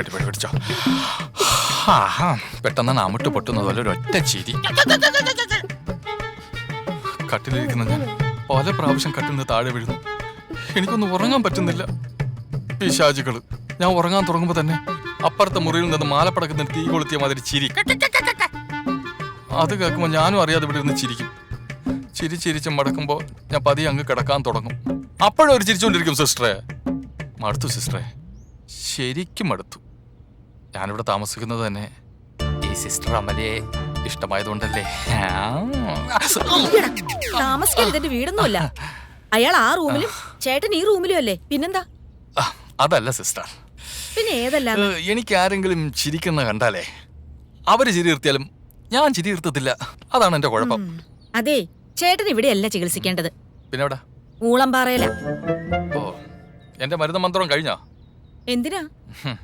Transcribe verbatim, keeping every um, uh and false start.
കെട്ടിപ്പിടി പിടിച്ചോ. ആഹാ, പെട്ടെന്ന് അമിട്ട് പൊട്ടുന്നത് പോലെ ഒരൊറ്റ ചിരി. കട്ടിലിരിക്കുന്ന ഞാൻ പല പ്രാവശ്യം കട്ടിൽ നിന്ന് താഴെ വീഴുന്നു. എനിക്കൊന്നും ഉറങ്ങാൻ പറ്റുന്നില്ല. പിശാചുകള് ഞാൻ ഉറങ്ങാൻ തുടങ്ങുമ്പോ തന്നെ അപ്പുറത്തെ മുറിയിൽ നിന്ന് മാലപ്പടക്കുന്ന തീ കൊളുത്തിയ മാതിരി ചിരി. അത് കേൾക്കുമ്പോൾ ഞാനും അറിയാതെ ഇവിടെ ഇരുന്ന് ചിരിക്കും. ചിരി ചിരിച്ച് മടക്കുമ്പോൾ ഞാൻ പതിയെ അങ്ങ് കിടക്കാൻ തുടങ്ങും. അപ്പോഴും ഒരു ചിരിച്ചുകൊണ്ടിരിക്കും. സിസ്റ്ററെ, മടുത്തു സിസ്റ്ററെ, ശരിക്കും മടുത്തു. ഞാനിവിടെ താമസിക്കുന്നത് തന്നെ ഈ സിസ്റ്റർ അമലയെ ഇഷ്ടമായതുകൊണ്ടല്ലേ. താമസിക്കാൻ ഇതിന്റെ വീടൊന്നുമല്ല. അയാൾ ആ റൂമിലും ചേട്ടൻ ഈ റൂമിലും അല്ലേ, പിന്നെന്താ? അതല്ല സിസ്റ്റർ, പിന്നെ ഏതല്ല? എനിക്ക് ആരെങ്കിലും ചിരിക്കുന്ന കണ്ടാലേ അവര് ചിരി നിർത്തിയാലും ഞാൻ ചിരി നിർത്തത്തില്ല. അതാണ് എന്റെ കുഴപ്പം. അതെ, ചേട്ടൻ ഇവിടെയല്ല ചികിത്സിക്കേണ്ടത്. പിന്നെ എവിടെ? ഊളംപാറയില. ഓ, എന്റെ മരുന്ന് മന്ത്രം കഴിഞ്ഞോ? എന്തിനാ?